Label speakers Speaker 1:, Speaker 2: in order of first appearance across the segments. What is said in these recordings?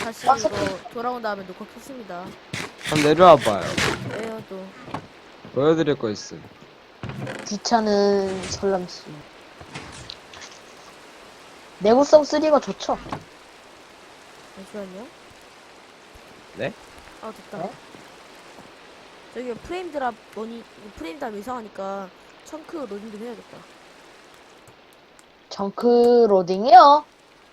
Speaker 1: 다시
Speaker 2: 아,
Speaker 1: 이거 돌아온 다음에 녹화 켰습니다.
Speaker 3: 한번 내려와봐요.
Speaker 1: 왜요 또?
Speaker 3: 보여드릴 거 있음.
Speaker 2: 귀찮은 설람씨. 내구성 3가 좋죠?
Speaker 1: 잠시만요.
Speaker 3: 네?
Speaker 1: 아 됐다.
Speaker 2: 네?
Speaker 1: 저기 프레임 드랍 프레임 드랍 이상하니까 청크 로딩 좀 해야겠다.
Speaker 2: 정크 로딩이요?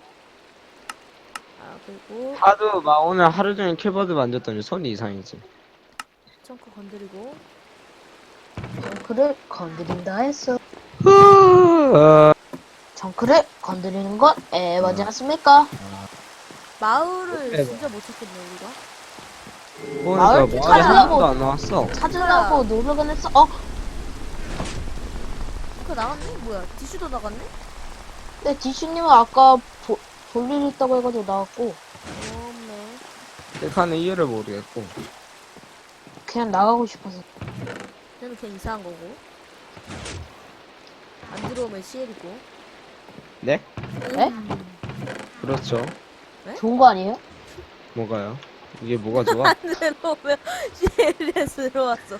Speaker 1: 아 그리고
Speaker 3: 하도 막 오늘 하루 종일 키보드 만졌더니 손이 이상해지.
Speaker 1: 청크 건드리고
Speaker 2: 정크를 건드린다 했어.
Speaker 3: 어,
Speaker 2: 정크를 건드리는 건 에바지 않습니까?
Speaker 1: 마을을
Speaker 3: 대박.
Speaker 1: 진짜 못 찾겠네 우리가.
Speaker 3: 보니까
Speaker 2: 마을
Speaker 3: 마을에
Speaker 2: 찾으려고.
Speaker 3: 하나도 안 나왔어.
Speaker 2: 찾으려고 노력은 했어.
Speaker 1: 청크 나갔네? 뭐야? 디슈도 나갔네?
Speaker 2: 근데 디슈님은 아까 볼일 있다고 해가지고 나왔고
Speaker 1: 없네.
Speaker 3: 셀카는 이유를 모르겠고.
Speaker 2: 그냥 나가고 싶어서.
Speaker 1: 얘는 그냥 이상한 거고. 안 들어오면 CL이고.
Speaker 3: 네?
Speaker 2: 네?
Speaker 3: 그렇죠.
Speaker 2: 좋은 거 아니에요?
Speaker 3: 뭐가요? 이게 뭐가 좋아?
Speaker 1: 안 들어오면 CL에 들어왔어.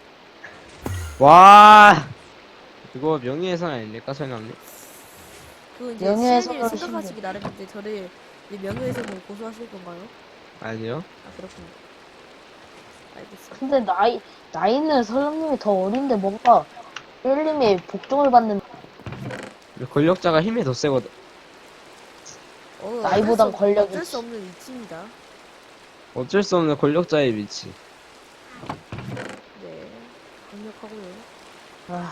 Speaker 3: 와, 이거 명예훼손 아닙니까, 설명님?
Speaker 1: 그 이제
Speaker 2: 명예훼손으로
Speaker 1: CL을 생각하시기 나름인데 저를 이제 명예훼손으로 고소하실 건가요?
Speaker 3: 아니요.
Speaker 1: 아 그렇군요. 알겠어.
Speaker 2: 근데 나이는 설람님이 더 어린데 뭔가 일님이 복종을 받는
Speaker 3: 권력자가 힘이 더 세거든.
Speaker 2: 나이보단 권력이
Speaker 1: 어쩔 수 없는 위치입니다.
Speaker 3: 어쩔 수 없는 권력자의 위치.
Speaker 1: 네. 강력하고요.
Speaker 2: 아,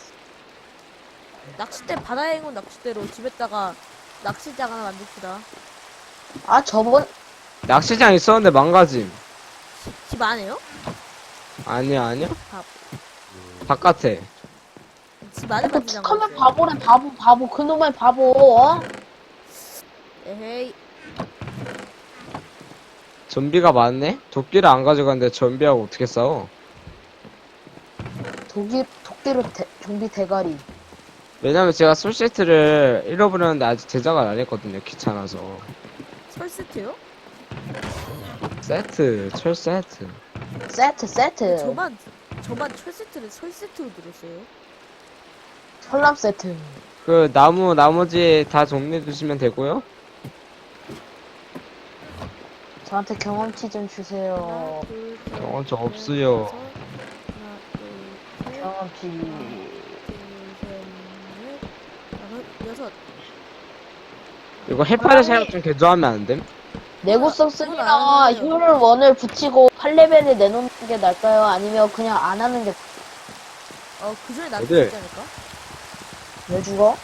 Speaker 1: 낚싯대 바다에 온 낚싯대로 집에다가 낚시장 하나 만듭시다.
Speaker 2: 저번
Speaker 3: 낚시장 있었는데 망가짐.
Speaker 1: 집 안에요?
Speaker 3: 아니야, 아니야?
Speaker 1: 밥.
Speaker 3: 바깥에.
Speaker 1: 집 안에
Speaker 2: 그
Speaker 1: 만지장
Speaker 2: 툭하면 바보래 바보 그놈의 바보
Speaker 1: 에헤이.
Speaker 3: 좀비가 많네? 도끼를 안 가져갔는데 좀비하고 어떻게 싸워?
Speaker 2: 도끼로 좀비 대가리.
Speaker 3: 왜냐면 제가 솔세트를 잃어버렸는데 아직 제작을 안 했거든요. 귀찮아서.
Speaker 1: 철 세트요?
Speaker 3: 세트, 철 세트.
Speaker 2: 세트
Speaker 1: 저만 철 세트를 철 세트로 들었어요.
Speaker 2: 설람 세트.
Speaker 3: 그 나머지 다 정리해 주시면 되고요.
Speaker 2: 저한테 경험치 좀 주세요.
Speaker 1: 하나, 둘, 셋,
Speaker 3: 저
Speaker 1: 넷,
Speaker 3: 없어요.
Speaker 1: 다섯. 하나, 둘, 셋,
Speaker 2: 경험치.
Speaker 1: 둘, 셋, 넷, 다섯, 여섯.
Speaker 3: 이거 해파리 사용 좀 개조하면 안 됨?
Speaker 2: 내구성
Speaker 1: 그건
Speaker 2: 3나
Speaker 1: 안 해요.
Speaker 2: 효율 1을 붙이고 8레벨에 내놓는 게 나을까요? 아니면 그냥 안 하는 게
Speaker 1: 그 전에 나한테
Speaker 3: 어딜?
Speaker 1: 죽지 않을까?
Speaker 2: 왜 죽어?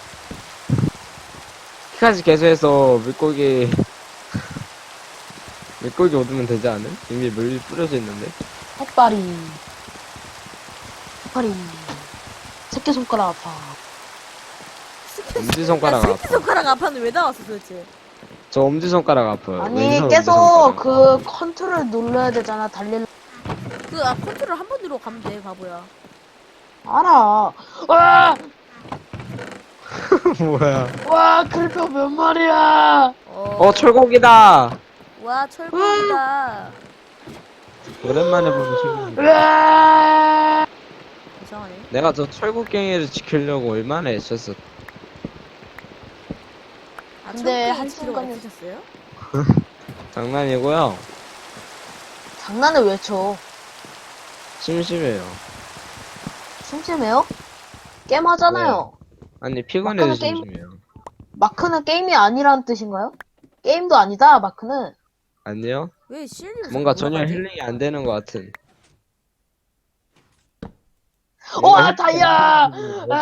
Speaker 3: 키까지 개조해서 물고기 얻으면 되지 않음? 이미 물 뿌려져 있는데.
Speaker 2: 햇발이 새끼손가락 아파.
Speaker 3: 엄지손가락 아파.
Speaker 1: 새끼손가락 아파는 왜 나왔어 도대체?
Speaker 3: 저 엄지손가락 아파요.
Speaker 2: 아니
Speaker 3: 왼손
Speaker 2: 계속
Speaker 3: 엄지손가락.
Speaker 2: 그 컨트롤 눌러야 되잖아. 달릴
Speaker 1: 컨트롤 한 번 누르고 가면 돼 바보야.
Speaker 2: 알아.
Speaker 3: 뭐야.
Speaker 2: 그래도 몇 마리야.
Speaker 3: 철곡이다!
Speaker 1: 와 철거이다.
Speaker 3: 오랜만에 보는 친구.
Speaker 1: 이상하네.
Speaker 3: 내가 저 철곡갱이를 지키려고 얼마나 애썼어.
Speaker 2: 근데
Speaker 1: 한
Speaker 2: 한순간에-
Speaker 1: 순간에 드셨어요?
Speaker 3: 장난이고요.
Speaker 2: 장난을 왜 쳐?
Speaker 3: 심심해요.
Speaker 2: 심심해요? 게임 하잖아요.
Speaker 3: 아니, 피곤해서
Speaker 2: 마크는 게임-
Speaker 3: 심심해요.
Speaker 2: 마크는 게임이 아니라는 뜻인가요? 게임도 아니다. 마크는.
Speaker 3: 아니요?
Speaker 1: 왜 CL님
Speaker 3: 뭔가 전혀 힐링이 안 되는 것 같은.
Speaker 2: 다이아!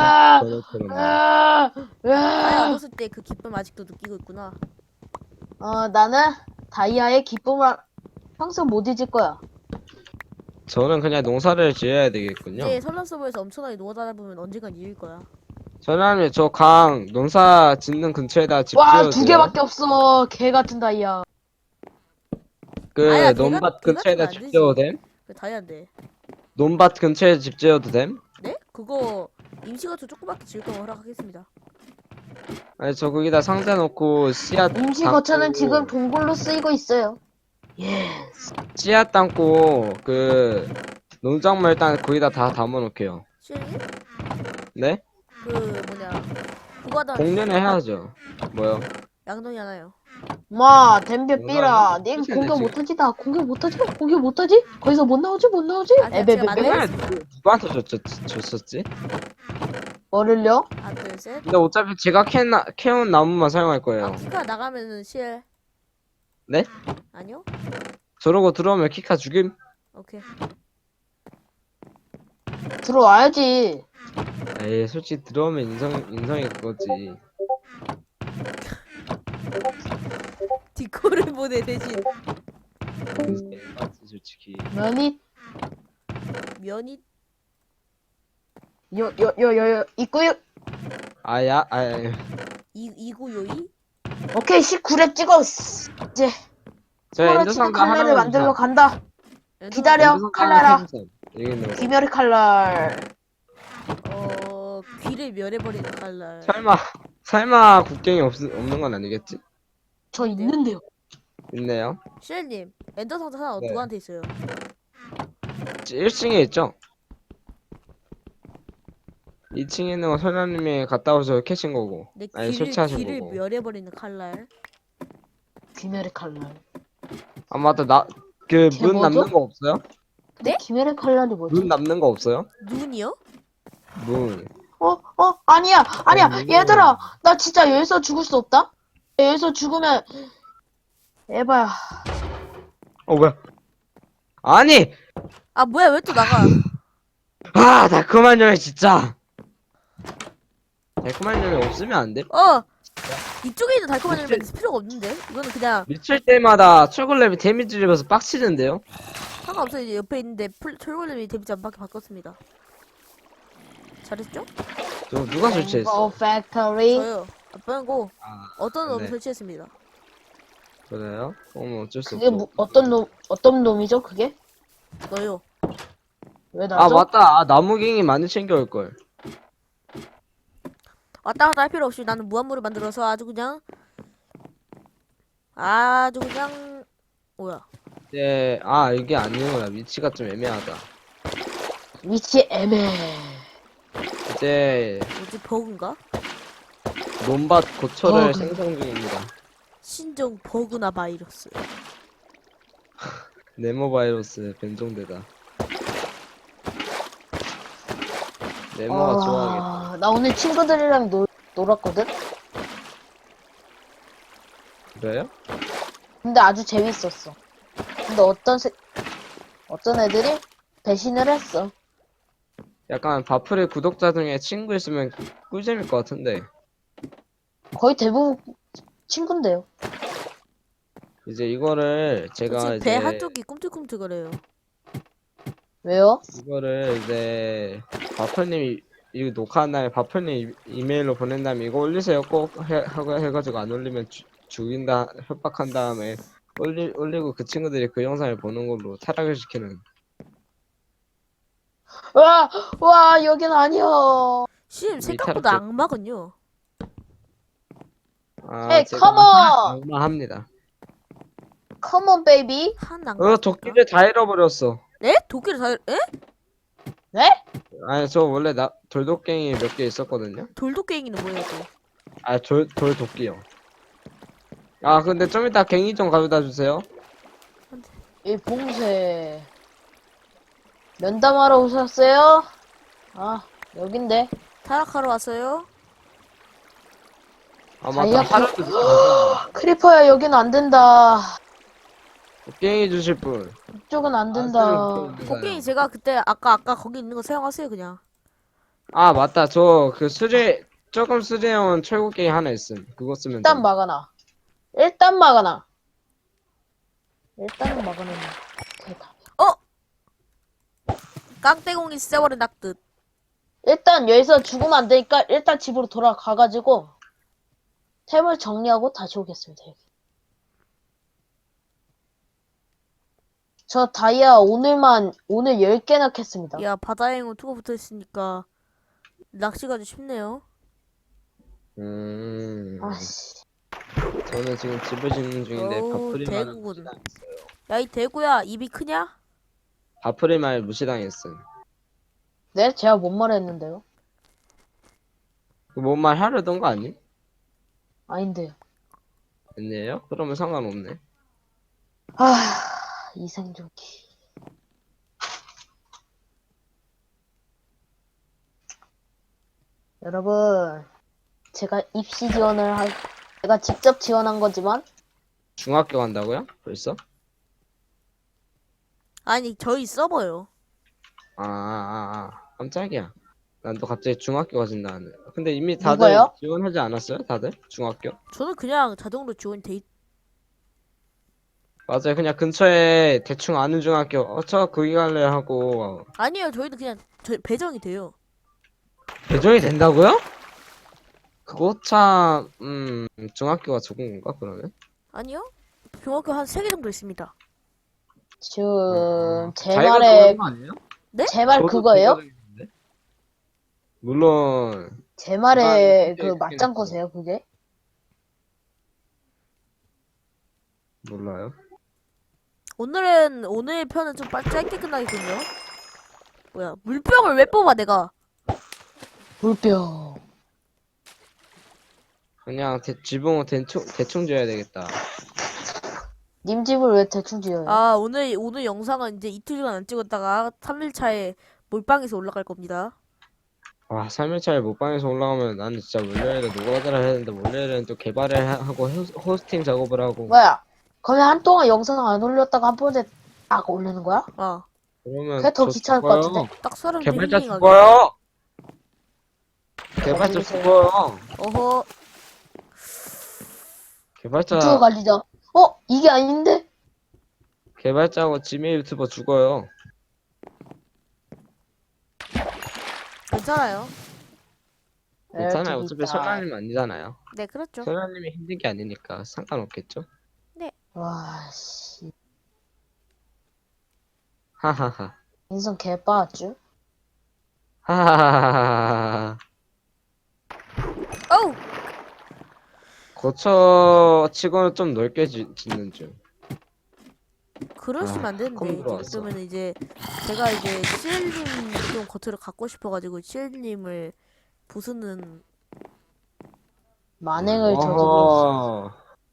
Speaker 1: 다이아 얻었을 때 그 기쁨 아직도 느끼고 있구나.
Speaker 2: 나는 다이아의 기쁨을 평생 못 잊을 거야.
Speaker 3: 저는 그냥 농사를 지어야 되겠군요.
Speaker 1: 이제 설날 서버에서 엄청나게 노가다 보면 언젠간 이길 거야.
Speaker 3: 저는 저 농사 짓는 근처에다 집
Speaker 2: 와,
Speaker 3: 지어도
Speaker 2: 두
Speaker 3: 돼요?
Speaker 2: 개밖에 없어. 개 같은 다이아.
Speaker 1: 아야,
Speaker 3: 논밭 근처에다
Speaker 1: 안
Speaker 3: 집
Speaker 1: 되지.
Speaker 3: 지어도 됨?
Speaker 1: 그 다이아인데.
Speaker 3: 논밭 근처에 집 지어도 됨?
Speaker 1: 네? 그거 임시거처 조그맣게 지을 거면 허락하겠습니다.
Speaker 3: 아니, 저 거기다 상자 놓고 씨앗
Speaker 2: 임시
Speaker 3: 담고,
Speaker 2: 거처는 지금 동굴로 쓰이고 있어요. 예.
Speaker 3: 씨앗 담고, 농작물 일단 거기다 다 담아놓게요.
Speaker 1: 시현님?
Speaker 3: 네?
Speaker 1: 그 뭐냐 그거 하다
Speaker 3: 공연을 해야죠. 뭐요?
Speaker 1: 양동이 하나요.
Speaker 2: 마, 댐벼 삐라.
Speaker 3: 뭐라고요?
Speaker 2: 님
Speaker 3: 끝이네,
Speaker 2: 공격
Speaker 3: 지금.
Speaker 2: 못하지? 나 공격 못하지? 공격 못하지? 거기서 못 나오지? 못 나오지?
Speaker 1: 아, 제가 만들었-
Speaker 2: 에베베베?
Speaker 3: 맨날 누구한테 줬었지?
Speaker 2: 뭐를요?
Speaker 1: 하나 둘 셋.
Speaker 3: 근데 어차피 제가 캐온 나무만 사용할 거예요.
Speaker 1: 아 키카 나가면은 실.
Speaker 3: 네?
Speaker 1: 아니요?
Speaker 3: 저러고 들어오면 키카 죽임?
Speaker 1: 오케이.
Speaker 2: 들어와야지.
Speaker 3: 에이, 솔직히 들어오면 인성이 그거지.
Speaker 1: 디코를 보내 대신
Speaker 3: 맞지, 솔직히.
Speaker 2: 면이
Speaker 1: 면이
Speaker 2: 있고요.
Speaker 3: 아야.
Speaker 1: 이구요이.
Speaker 2: 오케이, 19렙 찍어. 이제
Speaker 3: 저
Speaker 2: 서로
Speaker 3: 엔더
Speaker 2: 치는
Speaker 3: 상자
Speaker 2: 칼날을
Speaker 3: 하나만
Speaker 2: 만들러
Speaker 3: 주세요.
Speaker 2: 간다.
Speaker 1: 엔더-
Speaker 2: 기다려.
Speaker 3: 엔더 상자
Speaker 2: 칼날아.
Speaker 3: 하나 캐주세요. 여기 있는 거.
Speaker 2: 귀멸의 칼날.
Speaker 1: 귀를 멸해버리는 칼날.
Speaker 3: 설마 국경이 없는 건 아니겠지?
Speaker 2: 저 있는데요.
Speaker 3: 있네요.
Speaker 1: 시엘님 엔더 상자 하나
Speaker 3: 네.
Speaker 1: 누구한테 있어요?
Speaker 3: 1층에 있죠? 2층에 있는 거 설아님이 갔다 오셔서 캐신 거고.
Speaker 1: 내
Speaker 3: 아니,
Speaker 1: 귀를
Speaker 3: 설치하신 거고.
Speaker 1: 멸해버리는 칼날.
Speaker 2: 귀멸의 칼날.
Speaker 3: 아, 맞다.
Speaker 2: 걔
Speaker 3: 문
Speaker 2: 뭐죠?
Speaker 3: 남는 거 없어요?
Speaker 1: 네?
Speaker 2: 귀멸의 칼날이 뭐지?
Speaker 3: 문 남는 거 없어요?
Speaker 1: 눈이요?
Speaker 3: 문.
Speaker 2: 아니야.
Speaker 3: 아니,
Speaker 2: 얘들아, 나 진짜 여기서 죽을 수 없다? 여기서 죽으면, 에바야.
Speaker 3: 뭐야? 아니!
Speaker 1: 아 뭐야 왜 또 나가?
Speaker 3: 달콤한 열매 진짜! 달콤한 열매 없으면 안 돼?
Speaker 1: 이쪽에 있는 달콤한 열매는 필요가 없는데 이거는 그냥
Speaker 3: 미칠 때마다 철골렘이 데미지를 입어서 빡치는데요?
Speaker 1: 상관없어요. 이제 옆에 있는데 철골렘이 데미지 안 받게 바꿨습니다. 잘했죠?
Speaker 3: 누가 설치했어?
Speaker 2: 오 팩토리.
Speaker 1: 저요. 아빠고 어떤 놈
Speaker 3: 네.
Speaker 1: 설치했습니다.
Speaker 3: 그래요? 어쩔 수
Speaker 2: 그게
Speaker 3: 없죠.
Speaker 2: 어떤 놈이죠, 그게?
Speaker 1: 너요.
Speaker 2: 왜 나죠?
Speaker 3: 맞다. 나무갱이 많이 챙겨올걸.
Speaker 1: 왔다 갔다 할 필요 없이 나는 무한물을 만들어서 아주 그냥 뭐야?
Speaker 3: 이게 아니구나. 위치가 좀 애매하다.
Speaker 2: 위치 애매.
Speaker 3: 이제,
Speaker 1: 뭐지 버그인가?
Speaker 3: 논밭 고철을
Speaker 2: 버그.
Speaker 3: 생성 중입니다.
Speaker 1: 신종 버그나 바이러스.
Speaker 3: 네모바이러스 변종되다. 네모가 좋아하겠다.
Speaker 2: 나 오늘 친구들이랑 놀았거든?
Speaker 3: 그래요?
Speaker 2: 근데 아주 재밌었어. 근데 어떤 애들이 배신을 했어.
Speaker 3: 약간 바풀의 구독자 중에 친구 있으면 꿀잼일 것 같은데.
Speaker 2: 거의 대부분 친구인데요.
Speaker 3: 이제 이거를 제가
Speaker 1: 지금 배
Speaker 3: 이제
Speaker 1: 한쪽이 꿈틀꿈틀거려요.
Speaker 2: 왜요?
Speaker 3: 이거를 이제 바풀님이 이 녹화한 다음에 바풀님 이메일로 보낸 다음에 이거 올리세요 꼭 해가지고 안 올리면 죽인다 협박한 다음에 올리고 그 친구들이 그 영상을 보는 걸로 타락을 시키는.
Speaker 2: 와, 여긴 아니야.
Speaker 1: 심 생각보다
Speaker 3: 타락해.
Speaker 1: 악마군요.
Speaker 2: Hey,
Speaker 3: 제가
Speaker 2: come on!
Speaker 3: 악마합니다.
Speaker 2: Come on, baby.
Speaker 1: 한 악마.
Speaker 3: 도끼를 다 잃어버렸어.
Speaker 1: 네? 도끼를 다 에?
Speaker 2: 네?
Speaker 3: 아니 저 원래 돌도갱이 몇 개 있었거든요.
Speaker 1: 돌도깽이는 뭐예요 또?
Speaker 3: 돌도끼요. 근데 좀 이따 갱이 좀 가져다 주세요.
Speaker 2: 이 봉쇄. 면담하러 오셨어요? 여긴데.
Speaker 1: 타락하러 왔어요?
Speaker 3: 맞다.
Speaker 2: 다이아
Speaker 3: 하루도
Speaker 2: 크리퍼야, 여긴 안 된다.
Speaker 3: 갱이 주실 분.
Speaker 2: 이쪽은 안 된다.
Speaker 1: 도깽이 제가 그때 아까 거기 있는 거 사용하세요 그냥.
Speaker 3: 맞다. 저 조금 수제형 철곡갱이 하나 있음. 그거 쓰면
Speaker 2: 일단
Speaker 3: 돼.
Speaker 2: 막아놔. 일단 막아놔. 대답.
Speaker 1: 깡떼공이 세월의 낙듯.
Speaker 2: 일단 여기서 죽으면 안 되니까 일단 집으로 돌아가가지고 템을 정리하고 다시 오겠습니다. 여기. 저 다이아 오늘 10개나 캤습니다.
Speaker 1: 야 바다행운 투고 붙어있으니까 낚시가 좀 쉽네요.
Speaker 2: 아씨.
Speaker 3: 저는 지금 집을 짓는 중인데
Speaker 1: 어우,
Speaker 3: 바프리마를
Speaker 1: 대구군.
Speaker 3: 무시당했어요.
Speaker 1: 야, 이 대구야, 입이 크냐?
Speaker 3: 바프리마를 무시당했음.
Speaker 2: 네? 제가 뭔 말 했는데요?
Speaker 3: 뭔 말 하려던 거 아니?
Speaker 2: 아닌데요.
Speaker 3: 아니에요? 그러면 상관없네.
Speaker 2: 이생조기. 여러분, 제가 제가 직접 지원한 거지만,
Speaker 3: 중학교 간다고요? 벌써?
Speaker 1: 아니, 저희 서버요.
Speaker 3: 깜짝이야. 난 또 갑자기 중학교 가진다 하네. 근데 이미 다들
Speaker 2: 누가요?
Speaker 3: 지원하지 않았어요? 다들? 중학교?
Speaker 1: 저는 그냥 자동으로 지원돼 있...
Speaker 3: 맞아요. 그냥 근처에 대충 아는 중학교, 저 거기 갈래 하고,
Speaker 1: 아니에요, 저희도 그냥 배정이 돼요.
Speaker 3: 배정이 된다고요? 그거 참, 중학교가 적은 건가, 그러면?
Speaker 1: 아니요? 중학교 한 3개 정도 있습니다.
Speaker 2: 지금, 제
Speaker 3: 자기가
Speaker 2: 말에,
Speaker 3: 정하는 거 아니에요?
Speaker 2: 제 말
Speaker 3: 저도
Speaker 2: 그거예요?
Speaker 3: 자기가 정했는데? 물론,
Speaker 2: 제 말에
Speaker 3: 집안이
Speaker 2: 그
Speaker 3: 크게
Speaker 2: 맞장거세요, 그게?
Speaker 3: 몰라요.
Speaker 1: 오늘 편은 좀 짧게 끝나겠군요. 뭐야, 물병을 왜 뽑아, 내가?
Speaker 2: 물병.
Speaker 3: 그냥 지붕을 대충 지어야 되겠다.
Speaker 2: 님 집을 왜 대충 지어요?
Speaker 1: 아, 오늘 영상은 이제 이틀간 안 찍었다가 3일차에 몰빵해서 올라갈 겁니다.
Speaker 3: 와, 3일차에 못방에서 올라가면 나는 진짜 월요일에 노가다를 해야 되는데 월요일에는 또 개발을 하고 호스팅 작업을 하고
Speaker 2: 뭐야? 거기 한동안 영상 안 올렸다가 한 번에 딱 올리는 거야?
Speaker 1: 아,
Speaker 3: 그러면
Speaker 2: 그게 더
Speaker 3: 저
Speaker 2: 귀찮을 것
Speaker 3: 죽어요.
Speaker 2: 같은데?
Speaker 1: 딱 사람들
Speaker 3: 개발자
Speaker 1: 힐링하게.
Speaker 3: 죽어요. 개발자
Speaker 2: 가지고
Speaker 3: 죽어요.
Speaker 1: 어허,
Speaker 3: 개발자
Speaker 2: 유튜브 관리자. 이게 아닌데?
Speaker 3: 개발자하고 지메 유튜버 죽어요.
Speaker 1: 괜찮아요.
Speaker 3: 괜찮아요.
Speaker 2: 저기
Speaker 3: 어차피
Speaker 2: 있다.
Speaker 3: 설라님 아니잖아요.
Speaker 1: 네, 그렇죠.
Speaker 3: 설라님이 힘든 게 아니니까 상관없겠죠.
Speaker 2: 와, 씨.
Speaker 3: 하하하.
Speaker 2: 인성 개빠았쥬?
Speaker 3: 하하하하하.
Speaker 1: 어우!
Speaker 3: 거처 치고는 좀 넓게 짓는 중.
Speaker 1: 그러시면 안
Speaker 3: 컴
Speaker 1: 되는데.
Speaker 3: 들어왔어.
Speaker 1: 그러면 이제, 제가 이제, CL님 좀 겉으로 갖고 싶어가지고, CL님을 부수는,
Speaker 2: 만행을 저지르.
Speaker 3: 어허.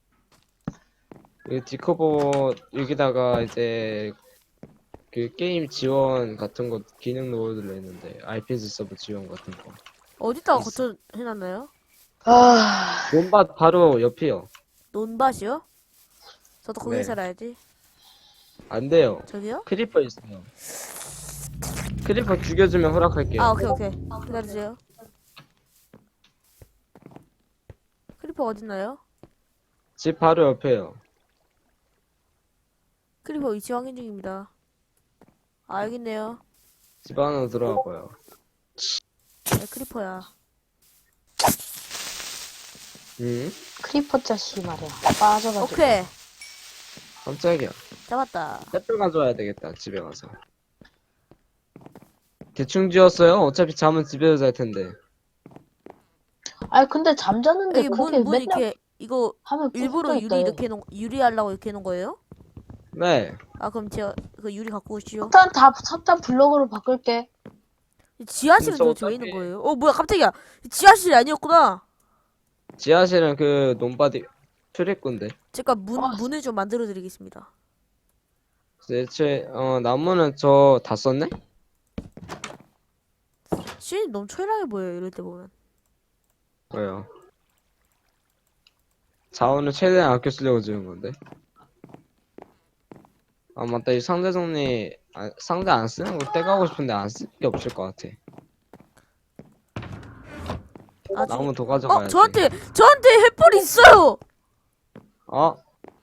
Speaker 3: 그 디코보 여기다가 이제 그 게임 지원 같은 거 기능 넣어둘려 있는데 IPS 서버 지원 같은 거.
Speaker 1: 어디다가
Speaker 3: 있어.
Speaker 1: 거쳐 해놨나요?
Speaker 3: 논밭 바로 옆이요.
Speaker 1: 논밭이요? 저도 거기
Speaker 3: 네.
Speaker 1: 살아야지.
Speaker 3: 안 돼요.
Speaker 1: 저기요?
Speaker 3: 크리퍼 있어요. 크리퍼 죽여주면 허락할게요.
Speaker 1: 아, 오케이. 기다려주세요. 크리퍼 어딨나요?
Speaker 3: 집 바로 옆에요.
Speaker 1: 크리퍼 위치 확인 중입니다. 아, 여기 있네요.
Speaker 3: 집 안으로 들어가고요.
Speaker 1: 네, 크리퍼야.
Speaker 3: 응?
Speaker 2: 크리퍼 자식 말이야. 빠져가지고.
Speaker 1: 오케이.
Speaker 3: 깜짝이야.
Speaker 1: 잡았다.
Speaker 3: 햇볕 가져와야 되겠다. 집에 가서. 대충 지었어요? 어차피 잠은 집에서 잘 텐데.
Speaker 2: 아니, 근데 잠자는데
Speaker 1: 여기
Speaker 2: 그게
Speaker 1: 문
Speaker 2: 맨날
Speaker 1: 이렇게, 이거
Speaker 2: 하면
Speaker 1: 일부러
Speaker 2: 부서져
Speaker 1: 유리
Speaker 2: 있다,
Speaker 1: 이렇게 유리하려고 이렇게 해놓은 거예요?
Speaker 3: 네.
Speaker 1: 아, 그럼 제가 그 유리 갖고 오시죠.
Speaker 2: 석탄 블럭으로 바꿀게.
Speaker 1: 지하실은
Speaker 3: 진짜
Speaker 1: 도대체 왜
Speaker 3: 어떡해.
Speaker 1: 있는 거예요? 뭐야, 깜짝이야. 지하실이 아니었구나.
Speaker 3: 지하실은 그 논바디 출입구인데.
Speaker 1: 제가 문을 좀 만들어 드리겠습니다.
Speaker 3: 대체 나무는 저 다 썼네?
Speaker 1: 시인이 너무 초라해 보여요, 이럴 때 보면.
Speaker 3: 왜요? 자원을 최대한 아껴 쓰려고 지은 건데. 아 맞다 이 상대 정리 상대 안 쓰는 거 떼가고 싶은데 안 쓸 게 없을 것 같아. 나무 더 가져가야지.
Speaker 1: 저한테 횃불이 있어요!
Speaker 3: 어?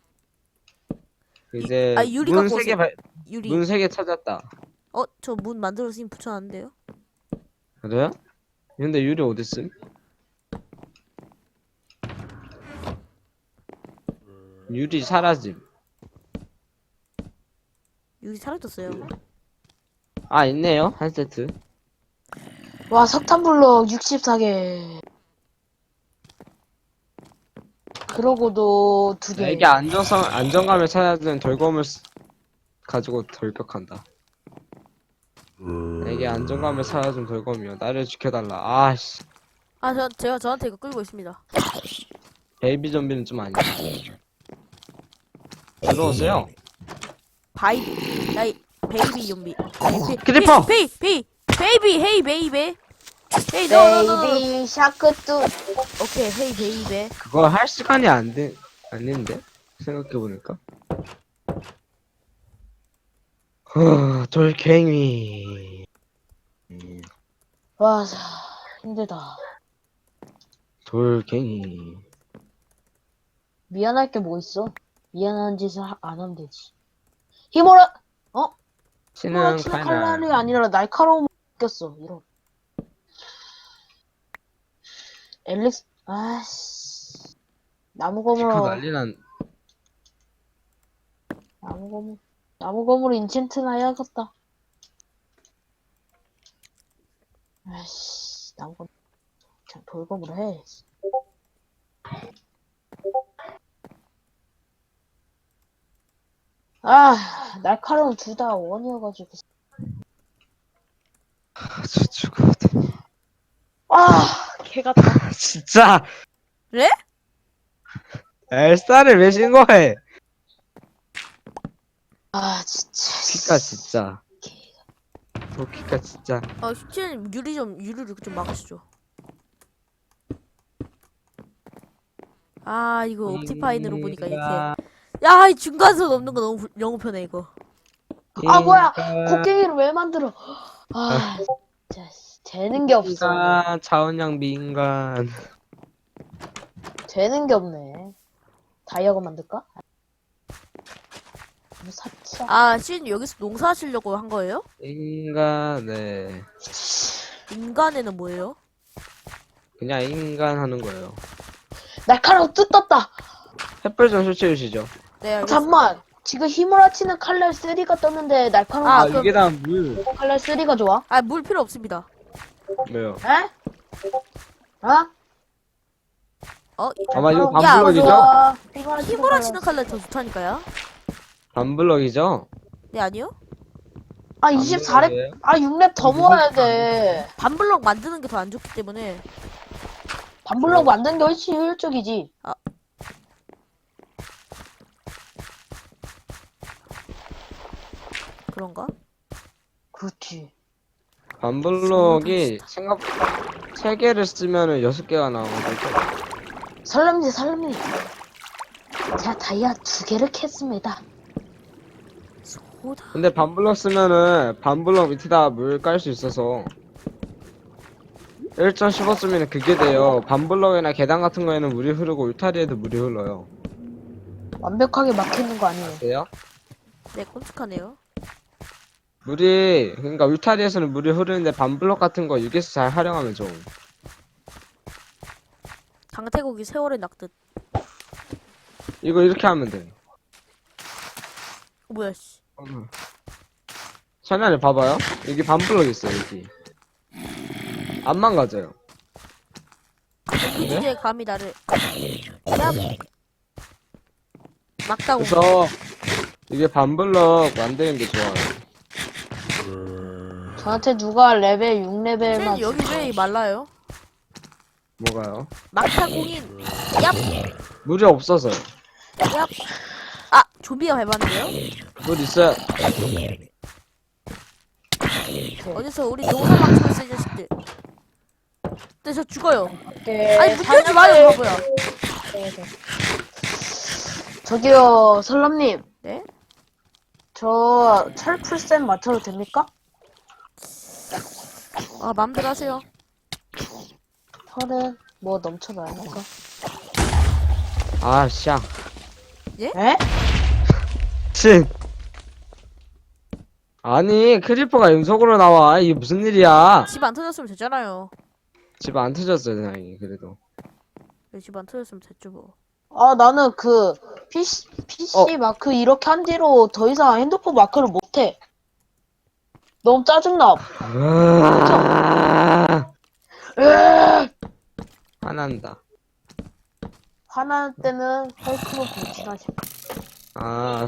Speaker 3: 이제
Speaker 1: 유리
Speaker 3: 문
Speaker 1: 갖고
Speaker 3: 3개
Speaker 1: 오세요. 유리.
Speaker 3: 문 3개 찾았다.
Speaker 1: 저 문 만들어서 이미 붙여놨는데요?
Speaker 3: 그래요? 근데 유리 어딨음? 유리 사라짐.
Speaker 1: 유리 사라졌어요.
Speaker 3: 아 있네요 한 세트.
Speaker 2: 와, 석탄 블럭 64개. 그러고도 두 개.
Speaker 3: 나에게 안정감을 찾아주는 돌검을 가지고 돌격한다. 나에게 안정감을 찾아준 돌검이여. 나를 지켜달라. 아씨.
Speaker 1: 아, 제가 저한테 이거 끌고 있습니다.
Speaker 3: 베이비 좀비는 좀 아니야. 들어오세요.
Speaker 1: 야이, 베이비 좀비.
Speaker 3: 크리퍼!
Speaker 1: 베이비, 헤이, 베이베. 헤이, 너.
Speaker 2: 베이비 샤크뚜.
Speaker 1: 오케이, 헤이, 베이베.
Speaker 3: 그거 할 시간이 아닌데? 생각해보니까. 돌갱이.
Speaker 2: 와, 힘들다.
Speaker 3: 돌갱이.
Speaker 2: 미안할 게 뭐 있어? 미안한 짓을 안 하면 되지. 히모라,
Speaker 3: 치는
Speaker 2: 치는 칼날이 아니라 날카로움을 느꼈어. 이런. 엘릭스, 아씨.
Speaker 3: 지금 난리난.
Speaker 2: 나무검으로 인챈트나 해야겠다. 아씨, 나무검. 그냥 돌검으로 해. 아, 날카로운 둘 다 원이어가지고.
Speaker 3: 저 죽어도 돼.
Speaker 2: 아, 개가 다.
Speaker 3: 진짜!
Speaker 1: 그래?
Speaker 3: 엘사를 왜 신고해?
Speaker 2: 아, 진짜.
Speaker 3: 키카 진짜. 키카 진짜.
Speaker 1: 슈치는 유리를 좀 막으시죠. 아, 이거 옵티파인으로 보니까 이렇게. 야, 이 중간선 없는 거 너무 편해, 이거.
Speaker 2: 아, 뭐야! 곡괭이를 왜 만들어? 아, 진짜. 되는 게 없어.
Speaker 3: 인간, 자원양 미인간.
Speaker 2: 되는 게 없네. 다이아곤 만들까? 뭐 사치야.
Speaker 1: 아, 신 여기서 농사하시려고 한 거예요?
Speaker 3: 인간, 네.
Speaker 1: 인간에는 뭐예요?
Speaker 3: 그냥 인간 하는 거예요.
Speaker 2: 날카로운 뜻 떴다!
Speaker 3: 햇불 좀 설치해주시죠.
Speaker 1: 네, 알겠습니다.
Speaker 2: 잠만! 지금 힘으로 치는 칼날 3가 떴는데 날카로운
Speaker 1: 아,
Speaker 3: 이게 다 물.
Speaker 2: 칼날 3가 좋아?
Speaker 1: 아, 물 필요 없습니다.
Speaker 3: 왜요?
Speaker 2: 에? 어?
Speaker 3: 아마 이거
Speaker 2: 날카로운
Speaker 3: 반블럭이죠?
Speaker 2: 좋아.
Speaker 1: 힘으로 치는 칼날 더 좋다니까요?
Speaker 3: 반블럭이죠?
Speaker 1: 네, 아니요?
Speaker 2: 아, 24렙, 아, 6렙 더 모아야 돼.
Speaker 1: 반블럭 만드는 게 더 안 좋기 때문에.
Speaker 2: 반블럭 만드는 게 훨씬 효율적이지.
Speaker 1: 그런가?
Speaker 2: 그렇지.
Speaker 3: 반블럭이 생각보다 3개를 쓰면은 6개가 나오거든요.
Speaker 2: 설렘님. 제가 다이아 2개를 캤습니다.
Speaker 1: 소다.
Speaker 3: 근데 반블럭 쓰면은 반블럭 밑에다 물 깔 수 있어서 1.15 쓰면 그게 돼요. 반블럭이나 계단 같은 거에는 물이 흐르고 울타리에도 물이 흘러요.
Speaker 2: 완벽하게 막히는 거 아니에요?
Speaker 3: 돼요?
Speaker 1: 네, 끔찍하네요.
Speaker 3: 그러니까 울타리에서는 물이 흐르는데 반블럭 같은 거 여기서 잘 활용하면 좋음.
Speaker 1: 강태국이 세월에 낙듯.
Speaker 3: 이거 이렇게 하면 돼.
Speaker 1: 뭐야, 씨.
Speaker 3: 천연에 봐봐요. 여기 반블럭 있어요, 여기. 안 망가져요.
Speaker 1: 이 주제에 감히 나를. 야! 막다고.
Speaker 3: 그래서 이게 반블럭 만드는 게 좋아요.
Speaker 2: 저한테 누가 레벨 6레벨만
Speaker 1: 신 여기 왜 말라요?
Speaker 3: 뭐가요?
Speaker 1: 막타 공인. 얍!
Speaker 3: 물이 없어서요.
Speaker 1: 얍! 아, 좀비가 밟았는데요?
Speaker 3: 물 있어요.
Speaker 1: 어디서 우리 농사 망치고 있어, 이 자식들. 근데 저 죽어요.
Speaker 2: 게
Speaker 1: 아니, 문 열지 마요, 바보야.
Speaker 2: 저기요, 설람님.
Speaker 1: 네?
Speaker 2: 저 철풀쌤 맞춰도 됩니까?
Speaker 1: 아, 맘대로 하세요.
Speaker 2: 철은 뭐 넘쳐나니까.
Speaker 3: 아, 샹.
Speaker 2: 에?
Speaker 3: 친. 아니, 크리퍼가 연속으로 나와. 이게 무슨 일이야?
Speaker 1: 집 안 터졌으면 됐잖아요.
Speaker 3: 집 안 터졌어요, 다행히. 그래도.
Speaker 1: 집 안 터졌으면 됐죠, 뭐.
Speaker 2: 아, 나는 그 PC 마크 이렇게 한 뒤로 더 이상 핸드폰 마크를 못해. 너무 짜증나.
Speaker 3: 아,
Speaker 2: 으아!
Speaker 3: 화난다.
Speaker 2: 화날 때는 헬크로 분신하시고.
Speaker 3: 아